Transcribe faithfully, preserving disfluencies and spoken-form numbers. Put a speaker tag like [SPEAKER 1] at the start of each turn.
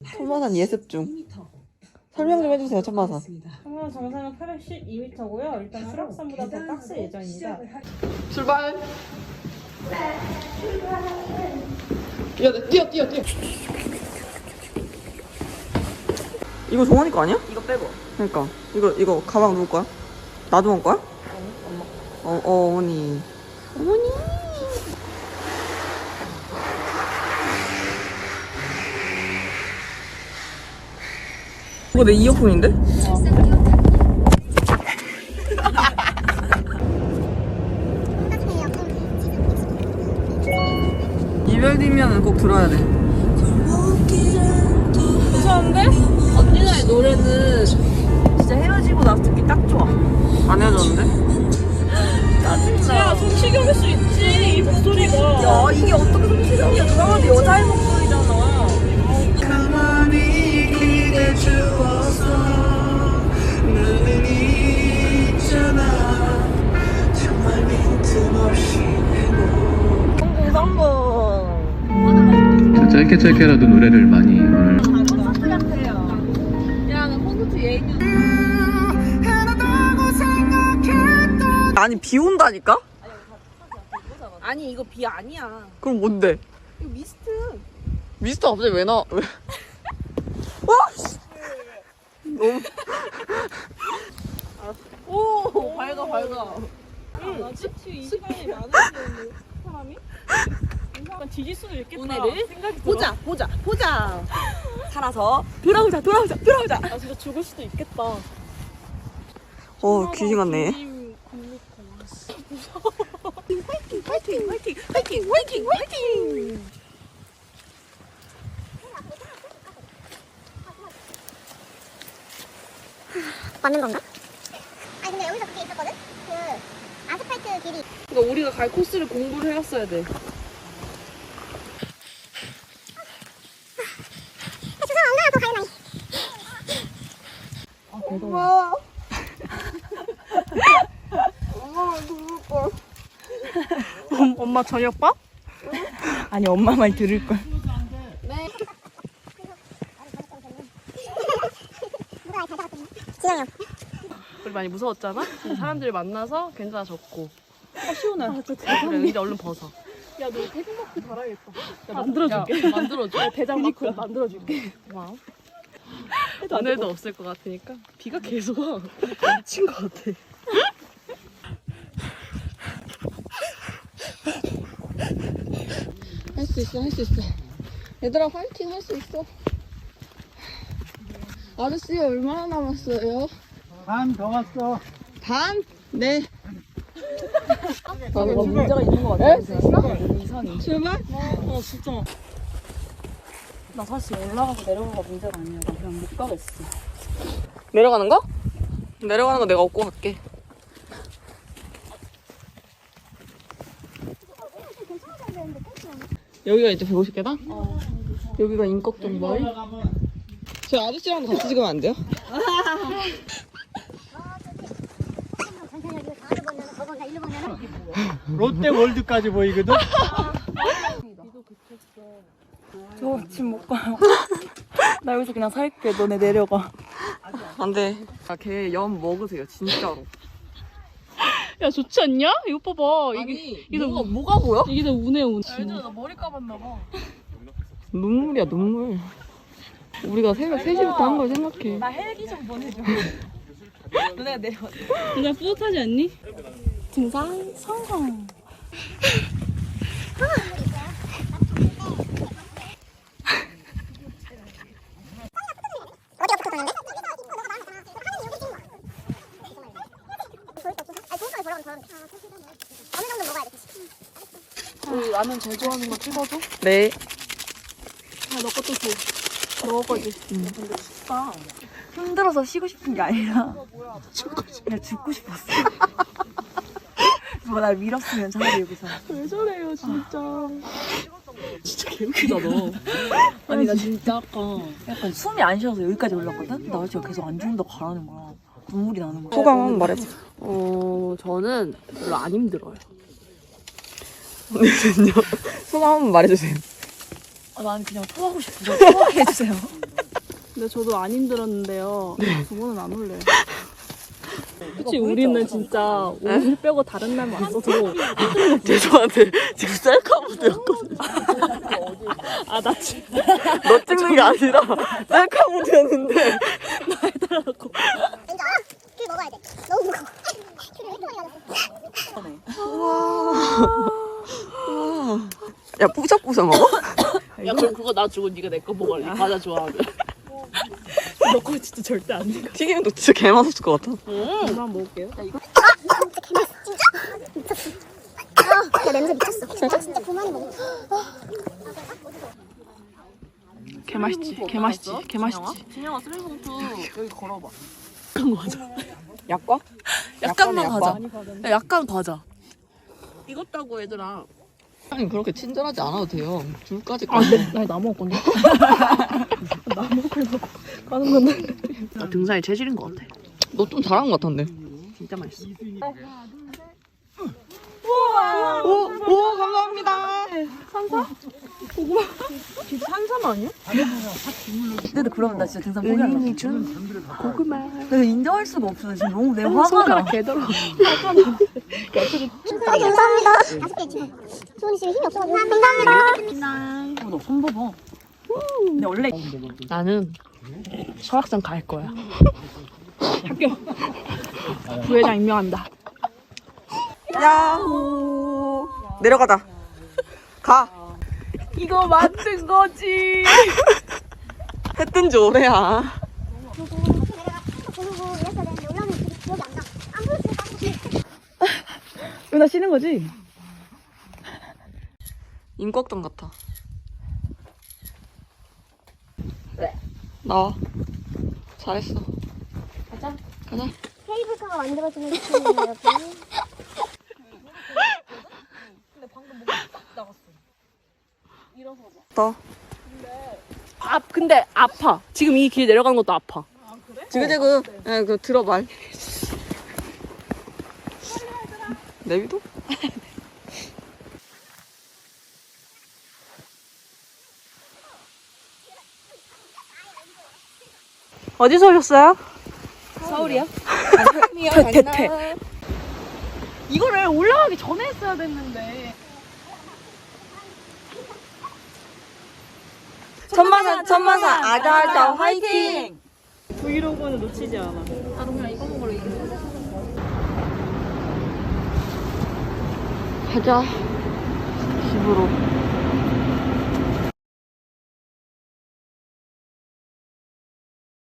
[SPEAKER 1] 천마산 예습 중. 설명 좀 해주세요, 천마산.
[SPEAKER 2] 천마산 정상은 팔백십이 미터고요. 일단 수락산보다 더 빡셀 예정입니다.
[SPEAKER 1] 출발! 뛰어, 뛰어, 뛰어, 뛰어. 이거 종원이 거 아니야?
[SPEAKER 2] 이거 빼고.
[SPEAKER 1] 그러니까 이거 이거 가방 누구 거야? 나도 먹을 거야?
[SPEAKER 2] 엄마.
[SPEAKER 1] 어, 어 어머니. 어머니. 이거 내 이어폰인데? 이별이면 꼭 들어야 돼.
[SPEAKER 2] 괜찮은데? 언니나의 노래는 진짜 헤어지고 나서 듣기 딱 좋아.
[SPEAKER 1] 안 헤어졌는데?
[SPEAKER 2] 짜증나. 야, 성시경일 수 있지, 이 목소리가.
[SPEAKER 1] 야 이게 어떻게 성시경이야? 누나한테 여자의 목소리잖아.
[SPEAKER 3] 가만히 기대 주어서 나는 있잖아 정말 빈틈없이
[SPEAKER 1] 성공 성공.
[SPEAKER 4] 자, 짧게 짧게라도 노래를 많이 오늘
[SPEAKER 2] 콘서트 같아요. 야, 나 콘서트 예인.
[SPEAKER 1] 아니 비 온다니까?
[SPEAKER 2] 아니, 이거 비 아니야.
[SPEAKER 1] 그럼 뭔데?
[SPEAKER 2] 이거 미스트.
[SPEAKER 1] 미스터 갑자기 왜 나? 왜? 와! 씨. 너무
[SPEAKER 2] 오, 밝아, 밝아. 응, 나 지치 이 시간이 많은데, 사람이? 약간 뒤질 수도 있겠다.
[SPEAKER 5] 오늘을
[SPEAKER 2] 생각이
[SPEAKER 5] 보자 보자 보자 살아서 돌아오자 돌아오자 돌아오자.
[SPEAKER 2] 들어. 아, 진짜 죽을 수도 있겠다.
[SPEAKER 1] 어 귀신 같네.
[SPEAKER 5] 화이팅 화이팅 화이팅 화이팅 화이팅.
[SPEAKER 6] 맞는 건가? 아니 근데 여기서 그게 있었거든? 그 아스팔트 길이
[SPEAKER 2] 그러니까 우리가 갈 코스를 공부를 해왔어야 돼.
[SPEAKER 6] 주사 얼마나 더 가야
[SPEAKER 1] 엄마. 엄마가 죽을 걸.
[SPEAKER 2] 엄마 저녁밥?
[SPEAKER 5] 아니 엄마 말 들을 걸.
[SPEAKER 6] 누가 잘 잡았더니 진영이 형
[SPEAKER 2] 우리 많이 무서웠잖아? 근데 사람들 만나서 괜찮아졌고.
[SPEAKER 5] 아 시원해.
[SPEAKER 2] 그래, 이제 얼른 벗어. 야, 너 태극마크 달아야겠다. 야, 만들어줄게. 야, 만들어줘. 대장 마크 만들어줄게. 고마워. 오늘도 없을 것 같으니까. 비가 계속 와. 미친 것 같아. 할 수 있어, 할 수 있어. 얘들아, 화이팅 할 수 있어. 아저씨, 얼마나 남았어요?
[SPEAKER 3] 반 더 왔어
[SPEAKER 2] 반? 네.
[SPEAKER 5] 아, 뭔가 문제가 있는 것 같아. 이상해.
[SPEAKER 2] 출발? 어, 진짜.
[SPEAKER 5] 나 사실 올라가고 내려가가 문제가 아니야. 나 그냥 못 가겠어.
[SPEAKER 1] 내려가는 거? 내려가는 거 내가 업고 갈게. 여기가 이제 백오십 계단? 어. 여기가 인걱정 마을? 저 아저씨랑 같이 찍으면 안 돼요?
[SPEAKER 6] 천천히 여기 가을 보면 거 보면 일로 보면
[SPEAKER 3] 롯데 월드까지 보이거든
[SPEAKER 5] 저 집 못 가요. 나 여기서 그냥 살게. 너네 내려가.
[SPEAKER 1] 안 돼. 아, 걔 염 먹으세요, 진짜로.
[SPEAKER 2] 야, 좋지 않냐? 이거 봐봐. 이게, 이게
[SPEAKER 1] 뭐가, 뭐가 보여?
[SPEAKER 2] 이게 다 운해, 운. 얘들아, 나 머리 감았나봐.
[SPEAKER 1] 눈물이야, 눈물. 우리가 새벽 세 시부터 한 걸 생각해.
[SPEAKER 5] 나 헬기 좀 보내줘. 너네가 내려와.
[SPEAKER 2] 진짜 뿌듯하지 않니?
[SPEAKER 5] 등산 성공.
[SPEAKER 6] 어디가 붙었는데? 어느 정도 먹어야 돼?
[SPEAKER 5] 우리 라면 제일 좋아하는 거 찍어줘.
[SPEAKER 1] 네.
[SPEAKER 5] 야, 너 것도 줘. 너 거지. 응. 근데 춥다. 힘들어서 쉬고 싶은 게 아니라 그냥 죽고 싶었어. 누가 날 밀었으면 차라리 여기서.
[SPEAKER 2] 왜 저래요, 진짜. 진짜 개웃기다, 너.
[SPEAKER 5] 아니 나 진짜 아까 약간 숨이 안 쉬어서 여기까지 올랐거든? 나 진짜 계속 안 죽는다고 가라는 거야. 눈물이 나는 거야.
[SPEAKER 1] 소감 한번 말해봐.
[SPEAKER 2] 어, 저는 별로 안 힘들어요.
[SPEAKER 1] 언니는요? 소감 한번 말해주세요.
[SPEAKER 5] 아, 나는 그냥 토하고 싶어서 토하게 해주세요.
[SPEAKER 2] 근데 저도 안 힘들었는데요. 두 번은 안 올래요. 그치, 우리는 진짜 오늘 빼고 다른 날 왔어도
[SPEAKER 1] 죄송한데 지금 셀카 무드였거든.
[SPEAKER 2] 아, 나 지금
[SPEAKER 1] 너 찍는 게 아니라 셀카 무드였는데.
[SPEAKER 6] 왠지 알아? 귤 먹어야 돼. 너무 무거워. 귤을 왜 이렇게 많이 가졌어?
[SPEAKER 1] 야 뿌석뿌석 먹어?
[SPEAKER 2] 야, 그럼 그거 나 주고 네가 내 거 먹을래. 과자 좋아하면. 너 거 진짜 절대 안 돼.
[SPEAKER 1] 튀김도 진짜 개 맛있을 것 같아.
[SPEAKER 2] 그만 먹을게요.
[SPEAKER 6] 진짜 개맛있어. 진짜? 미쳤어. 아, 야 냄새 미쳤어. 진짜 진짜 그만이 먹어.
[SPEAKER 2] 개 맛있지. 개 맛있지. 개 맛있지. 진영아, 쓰레기봉투 여기 걸어봐.
[SPEAKER 1] 약과?
[SPEAKER 2] 약간만
[SPEAKER 1] 약간의
[SPEAKER 2] 과자. 야, 약간 과자. 익었다고 얘들아.
[SPEAKER 1] 아니 그렇게 친절하지 않아도 돼요. 줄까지
[SPEAKER 2] 아,
[SPEAKER 1] 까.
[SPEAKER 2] 네. 나, 나 먹을 건데. 나 먹으려고 가는 건데. 나 등산이 체질인 것 같아.
[SPEAKER 1] 너 좀 잘한 것 같던데.
[SPEAKER 2] 진짜 맛있어.
[SPEAKER 1] 오, 오 감사합니다.
[SPEAKER 2] 산삼 아니야?
[SPEAKER 5] 근데 그러면 나 진짜 등산 포기할래. 은인이 준 고구마. 내가 인정할 수가 없어. 지금 너무 내 화가 나.
[SPEAKER 2] 개더러.
[SPEAKER 6] 아, 감사합니다. 다섯 개 지금. 소은이 씨 힘이 없어가지고. 감사합니다.
[SPEAKER 5] 어, 너손 봐봐. 근데 원래
[SPEAKER 2] 나는 설악산 갈 거야. 학교 부회장 임명한다.
[SPEAKER 1] 야호. 내려가자. 가.
[SPEAKER 2] 이거 만든 거지.
[SPEAKER 1] 했던 지 오래야.
[SPEAKER 6] 보고 이랬어야 되는데 올라오는 게 기억이 안 나. 안 보였어.
[SPEAKER 5] 나 쉬는 거지?
[SPEAKER 1] 인걱정 같아. 나와. 잘했어. 가자. 가자.
[SPEAKER 6] 케이블카가 만들어지는 느낌이에요, 여기.
[SPEAKER 1] 더.
[SPEAKER 2] 아, 근데 아파. 지금 이 길 내려가는 것도 아파.
[SPEAKER 1] 지그재그. 예, 그 들어봐. 내비도?
[SPEAKER 2] 어디서 오셨어요?
[SPEAKER 5] 서울이야?
[SPEAKER 2] 대퇴. 이거를 올라가기 전에 했어야 됐는데.
[SPEAKER 1] 천마산 천마산 아자아자 화이팅!
[SPEAKER 2] 브이로그는 놓치지 않아.
[SPEAKER 1] 가자. 집으로.